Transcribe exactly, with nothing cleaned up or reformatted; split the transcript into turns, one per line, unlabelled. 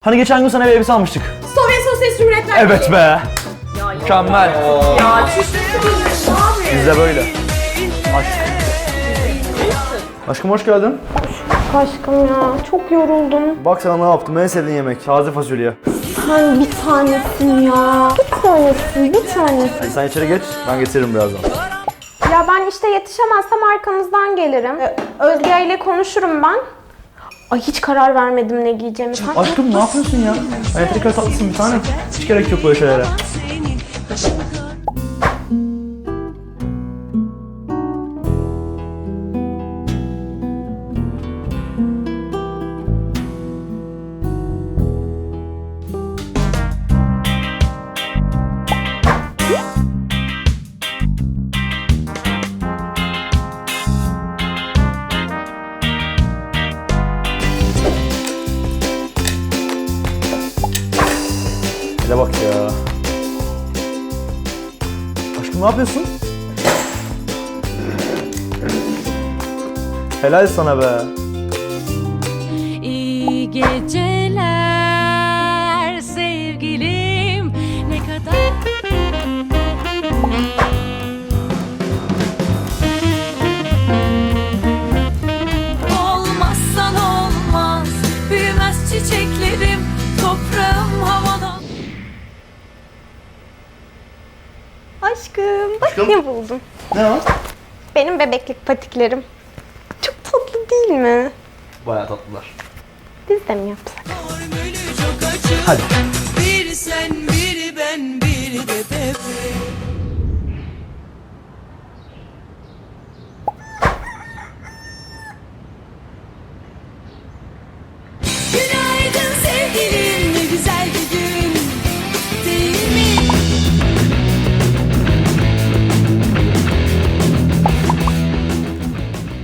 Hani geçen gün sana bir elbise almıştık.
Sovyet Sosyalist Cumhuriyetler
Evet
Birliği.
be.
Ya,
Mükemmel.
Ya çüş abi.
Biz de böyle. Aşk. Aşkım hoş geldin.
Aşkım ya çok yoruldum.
Bak sana ne yaptım, en sevdiğin yemek. Taze fasulye.
Sen bir tanesin ya. Bir tanesin, bir tanesin.
Hadi sen içeri geç, ben getiririm birazdan.
Ya ben işte yetişemezsem arkanızdan gelirim. Ee, Özge ile konuşurum ben. Ay hiç karar vermedim ne giyeceğimi. Sen...
Aşkım ne yapıyorsun ya? Ben tekrar tatlısın bir tane. Hiç gerek yok böyle şeylere. Hele bak ya. Aşkım ne yapıyorsun? Helal sana be.
İyi geceler sevgilim, ne kadar olmazsan olmaz, büyümez çiçeklerim, toprağım havada.
Aşkım bak
Aşkım.
ne buldum.
Ne o?
Benim bebeklik patiklerim. Çok tatlı değil mi?
Bayağı tatlılar.
Biz de mi yapsak?
Hadi.